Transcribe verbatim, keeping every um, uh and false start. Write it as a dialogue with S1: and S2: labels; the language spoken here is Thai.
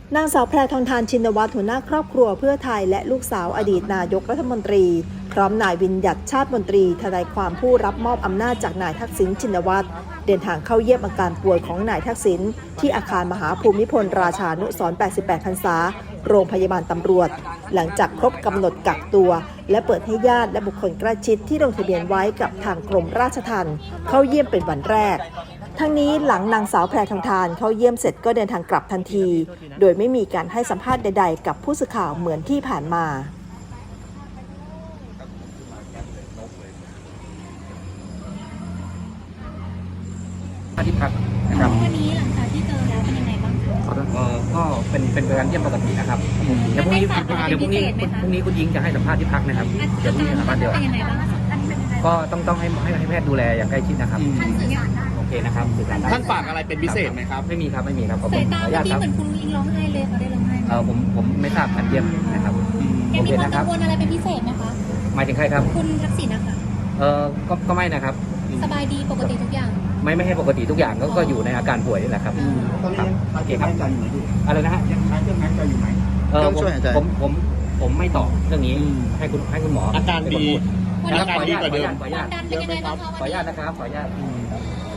S1: นางสาวแพรทองทานชินวัตรหัวหน้าครอบครัวเพื่อไทยและลูกสาวอดีตนายกรัฐมนตรีพร้อมนายวิญญัติชาติมนตรีทนายความผู้รับมอบอำนาจจากนายทักษิณชินวัตรเดินทางเข้าเยี่ยมอาการป่วยของนายทักษิณที่อาคารมหาภูมิพลราชานุสรณ์แปดสิบแปดพรรษาโรงพยาบาลตำรวจหลังจากครบกำหนดกักตัวและเปิดให้ญาติและบุคคลใกล้ชิดที่ลงทะเบียนไว้กับทางกรมราชทัณฑ์เข้าเยี่ยมเป็นวันแรกทั้งนี้หลังนางสาวแพรทองทานเข้าเยี่ยมเสร็จก็เดินทางกลับทันทีโดยไม่มีการให้สัมภาษณ์ใดๆกับผู้สื่อข่าวเหมือนที่ผ่านมา
S2: ที่พักนะครับ
S3: วันนี้หลังจากที่เจอแล้วเป็นยังไงบ้างคะ
S2: เออก็เป็นเป็นการเยี่ยมปกตินะครับเดี๋ยวพรุ่งนี้เดี๋ยวพรุ่งนี้พรุ่งนี้คุณยิงจะให้สัมภาษณ์ที่พักนะครับเดี๋ยวพรุ่งนี้สัมภาษณ์เดียว
S3: เป็นยังไงบ้างคะอันนี้เป็นยังไง
S2: ก็ต้องต้องให้ให้ให้แพทย์ดูแลอย่างใกล้ชิดนะครับ
S3: ท่านสื่อสารได้
S2: โอเคนะครับสื่อสารได้
S4: ท่านฝากอะไรเป็นพิเศษไหมครับ
S2: ไม่มีครับไม่มีครับขอบคุ
S3: สา
S2: ณ
S3: ย
S2: ข
S3: ตา
S2: ออนุญาต
S3: ที่
S2: ครับ
S3: เหมือนคุณอิงร้องไห้เลยเขาได้ร้องไห้ไหม
S2: เออผมผมไม่ทราบการเยี่ยมนะครับ
S3: แก
S2: โอ
S3: มี
S2: เค
S3: ความ
S2: นะค
S3: กั
S2: รับ
S3: งวลอะไรเป็นพิเศษไหมคะ
S2: หมายถึงใครครับ
S3: คุณทักษิณนะคะ
S2: เออก็ก็ไม่นะครับ
S3: สบายดีปกติทุกอย่าง
S2: ไม่ไม่ให้ปกติทุกอย่างก็ก็อยู่ในอาการป่วยนี่แหละครับ
S4: ตอนนี้โอเคครับใจอยู่ไหมพี่
S2: อะไรนะฮะ
S4: ยังใช้เครื่องหายใจอยู่ไหม
S2: เออ
S4: เครื่อง
S2: ผม
S4: ช่วยหายใจ
S2: ผมผมผมไม่ตอบเรื่องนี้
S4: อืม
S2: ให้คุณให้คุณหมอ
S4: อาการ
S2: เป็นคน
S4: ดี
S2: พูด
S3: วัน
S2: นะ
S3: นี้
S2: ครับขออนุญาต
S4: อาการดีกว่าเดิม
S2: ขออนุญาต
S3: ดันเป็นยังไงบ้างคะ
S2: ขออนุญาตนะครับขออนุญาต